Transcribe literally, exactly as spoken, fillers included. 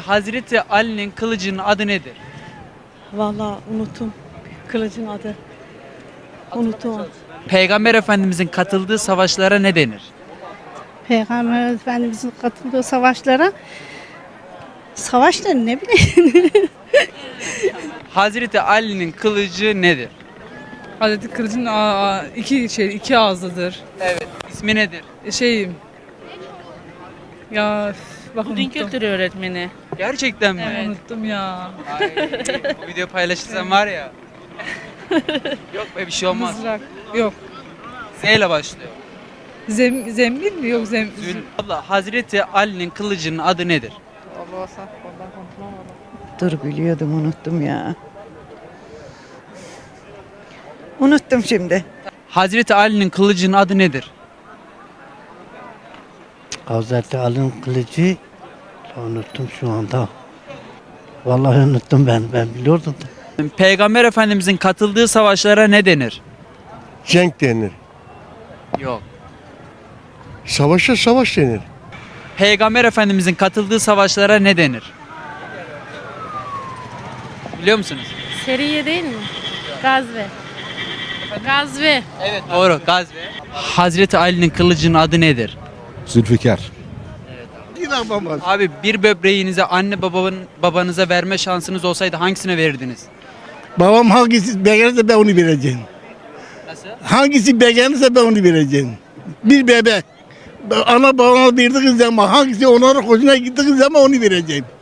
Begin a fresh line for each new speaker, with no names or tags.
Hazreti Ali'nin kılıcının adı nedir?
Vallahi unuttum. Kılıcın adı. Unuttum.
Peygamber Efendimizin katıldığı savaşlara ne denir?
Peygamber Efendimizin katıldığı savaşlara savaşları ne bileyim.
Hazreti Ali'nin kılıcı nedir?
Hazreti Kılıç'ın aa, iki şey iki ağızlıdır.
Evet. İsmi nedir?
E, Şey ya üf, bak
Din
unuttum.
kültürü öğretmeni.
Gerçekten mi?
Evet. Unuttum ya.
Ay, bu video paylaşırsan var ya. Yok be bir şey olmaz.
Mızrak. Yok.
Z ile başlıyor.
Zem, zembil mi? Yok zem.
Zül. Abla Hazreti Ali'nin kılıcının adı nedir?
Allah saf ondan konuşmam
Dur biliyordum unuttum ya. Unuttum şimdi.
Hazreti Ali'nin kılıcının adı nedir?
Hazreti Ali'nin kılıcı unuttum şu anda. Vallahi unuttum ben. Ben biliyordum da.
Peygamber Efendimizin katıldığı savaşlara ne denir?
Cenk denir.
Yok.
Savaşa savaş denir.
Peygamber Efendimizin katıldığı savaşlara ne denir? Biliyor musunuz?
Seriye değil mi? Gazve. Gazve.
Evet doğru. Gazve. Hazreti Ali'nin kılıcının adı nedir?
Zülfikar.
İnanmamaz.
Abi bir böbreğinize anne babanın babanıza verme şansınız olsaydı hangisine verirdiniz?
Babam hangisi beğenirse ben onu vereceğim.
Nasıl?
Hangisi beğenirse ben onu vereceğim. Bir bebek. Ana babama verdiği zaman hangisi onların hoşuna gittiği zaman onu vereceğim.